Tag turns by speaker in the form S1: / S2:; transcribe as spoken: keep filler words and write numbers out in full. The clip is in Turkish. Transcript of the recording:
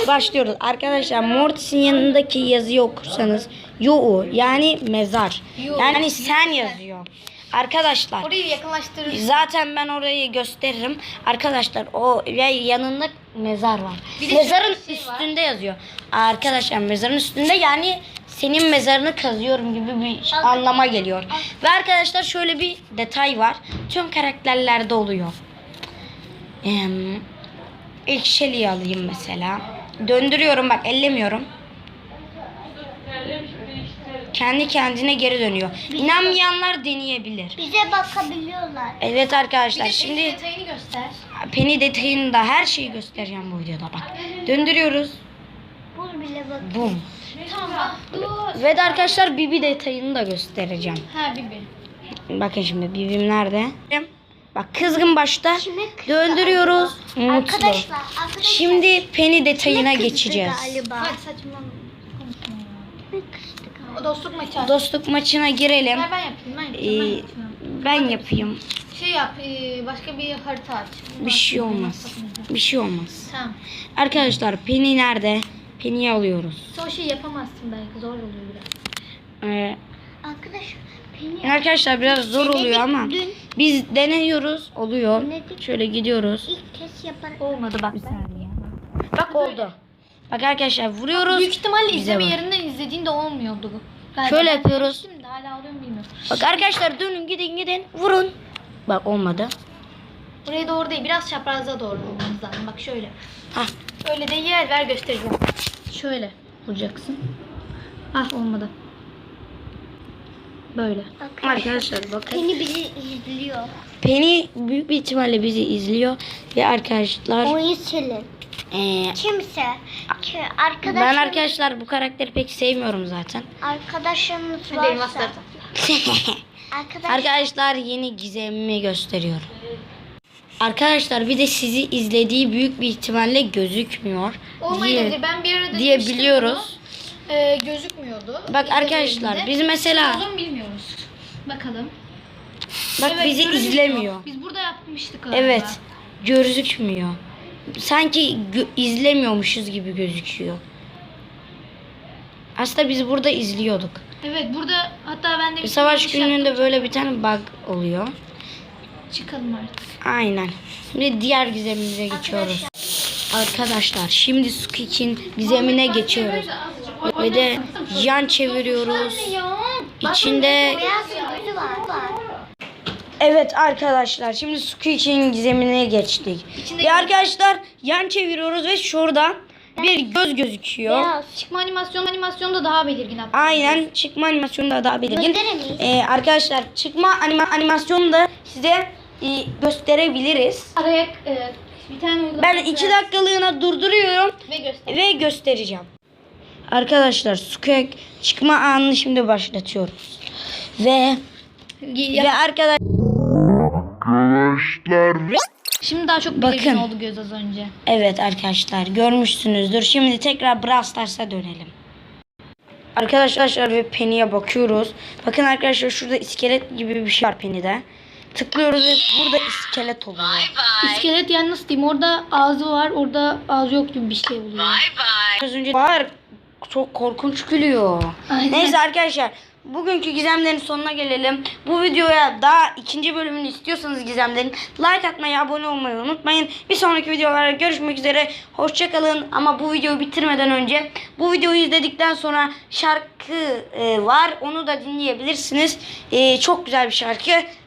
S1: başlıyoruz. Arkadaşlar Mortis'in yanındaki yazıyı okursanız yo yani mezar.
S2: Yo.
S1: Yani sen yazıyor. Arkadaşlar
S2: Orayı yakınlaştırırız.
S1: zaten ben orayı gösteririm. Arkadaşlar o ve yanında mezar var.
S2: Bir de
S1: Mezarın
S2: şöyle bir şey
S1: üstünde yazıyor. Arkadaşlar mezarın üstünde yani senin mezarını kazıyorum gibi bir şey- anlama geliyor. Ve arkadaşlar şöyle bir detay var. Tüm karakterlerde oluyor. Ee, ilk Shelly'yi alayım mesela. Döndürüyorum bak, ellemiyorum. Kendi kendine geri dönüyor. İnanmayanlar deneyebilir.
S3: Bize bakabiliyorlar.
S1: Evet arkadaşlar,
S2: Bir de
S1: şimdi
S2: detayını göster.
S1: Penny detayını da her şeyi göstereceğim bu videoda bak. Döndürüyoruz.
S3: Bul bile bak.
S1: Bum.
S2: Tamam. Dur.
S1: Ve de arkadaşlar Bibi detayını da göstereceğim.
S2: Ha Bibi.
S1: Bakın şimdi Bibim nerede? Bak kızgın başta.
S3: Kime kızdı
S1: Döndürüyoruz. Mutlu.
S3: Arkadaşlar, arkadaşlar.
S1: Şimdi Penny detayına
S3: Kime kızdı
S1: geçeceğiz.
S3: Galiba.
S2: Hadi saçmalama. Konuşma ya.
S3: Kime kızdı galiba?
S2: O dostluk maçı aç.
S1: Dostluk maçına girelim.
S2: Ver ben yapayım. Ben yapayım. Ben
S1: Ee,
S2: yapayım.
S1: ben yapayım.
S2: Şey yap. e, başka bir harita aç.
S1: Bir şey olmaz. Bir şey olmaz.
S2: Tamam.
S1: Arkadaşlar Penny nerede? Penny'yi alıyoruz.
S2: Sen o şeyi yapamazsın belki. Zor oluyor biraz.
S1: Ee,
S3: Arkadaşlar. Beni
S1: arkadaşlar biraz zor oluyor ama
S3: dün
S1: biz deniyoruz. Oluyor.
S3: Denedik.
S1: Şöyle gidiyoruz.
S3: ilk kez yapan.
S2: Olmadı bak.
S1: Bak oldu. Bak arkadaşlar vuruyoruz.
S2: Büyük ihtimalle
S1: Bize
S2: izleme
S1: bak.
S2: yerinden izlediğinde olmuyordu bu. Galiba
S1: Şöyle
S2: ben
S1: yapıyoruz.
S2: denemiştim de hala oluyor mu bilmiyorum.
S1: Bak arkadaşlar dönün gidin gidin vurun. Bak olmadı.
S2: Buraya doğru değil. Biraz çapraza doğru olmamız lazım. Bak şöyle.
S1: Hah.
S2: Öyle de yer ver göstereceğim. Şöyle vuracaksın. Ah olmadı. Böyle.
S1: Arkadaşlar bakın.
S3: Beni bizi izliyor.
S1: Penny büyük bir ihtimalle bizi izliyor. Ve arkadaşlar
S3: Oyun silin.
S1: eee,
S3: Kimse. Ki arkadaşım,
S1: ben arkadaşlar bu karakteri pek sevmiyorum zaten.
S3: arkadaşımız
S2: Hadi elmas
S3: varsa.
S2: tarafı.
S3: Arkadaş,
S1: Arkadaşlar yeni gizemimi gösteriyorum. Arkadaşlar bir de sizi izlediği büyük bir ihtimalle gözükmüyor.
S2: Olmayabilir.
S1: diye,
S2: Ben bir arada
S1: diye
S2: demiştim
S1: biliyoruz.
S2: bunu. Ee, gözükmüyordu.
S1: Bak
S2: İzlediğimde.
S1: arkadaşlar biz mesela
S2: Olur mu bilmiyoruz. Bakalım.
S1: bak
S2: Evet,
S1: bizi
S2: gözükmüyor.
S1: izlemiyor.
S2: Biz burada yapmıştık galiba.
S1: Evet, gözükmüyor. Sanki gö- izlemiyormuşuz gibi gözüküyor. Aslında biz burada izliyorduk.
S2: Evet burada hatta ben de bir
S1: Savaş
S2: yanlış
S1: gününde
S2: yaptım.
S1: böyle bir tane bug oluyor.
S2: Çıkalım artık.
S1: Aynen. Şimdi diğer gizemimize geçiyoruz. Arkadaşlar şimdi Squeak'in gizemine geçiyoruz. Ve de yan çeviriyoruz. İçinde
S3: beyaz gözü var.
S1: evet arkadaşlar şimdi Squeak'in gizemine geçtik.
S2: İçinde-
S1: Ve arkadaşlar yan çeviriyoruz ve şurada bir göz gözüküyor.
S3: Beyaz.
S2: Çıkma animasyon animasyonu da daha belirgin hatta.
S1: Aynen, çıkma animasyonu da daha belirgin.
S3: Gösteremeyiz.
S1: Ee, arkadaşlar çıkma anima animasyonu da size e, gösterebiliriz.
S2: Araya e, bir tane uygulama.
S1: Ben iki dakikalığına durduruyorum
S2: Ve göster.
S1: ve göstereceğim. Arkadaşlar Squeak çıkma anını şimdi başlatıyoruz. Ve ve arkadaşlar
S2: Şimdi daha çok
S1: Bakın.
S2: belirgin oldu göz az önce.
S1: evet arkadaşlar görmüşsünüzdür. Şimdi tekrar Brawl Stars'a dönelim. Arkadaşlar ve Penny'e bakıyoruz. Bakın arkadaşlar şurada iskelet gibi bir şey var Penny'de. Tıklıyoruz ve burada iskelet oluyor.
S2: İskelet yani nasıl diyeyim, orada ağzı var, orada ağzı yok gibi bir şey oluyor.
S1: Az önce var. Çok korkunç gülüyor.
S2: Aynen.
S1: Neyse arkadaşlar bugünkü gizemlerin sonuna gelelim. Bu videoya daha ikinci bölümünü istiyorsanız gizemlerin like atmayı, abone olmayı unutmayın. Bir sonraki videolarda görüşmek üzere. Hoşçakalın. Ama bu videoyu bitirmeden önce bu videoyu izledikten sonra şarkı e, var. Onu da dinleyebilirsiniz. E, çok güzel bir şarkı.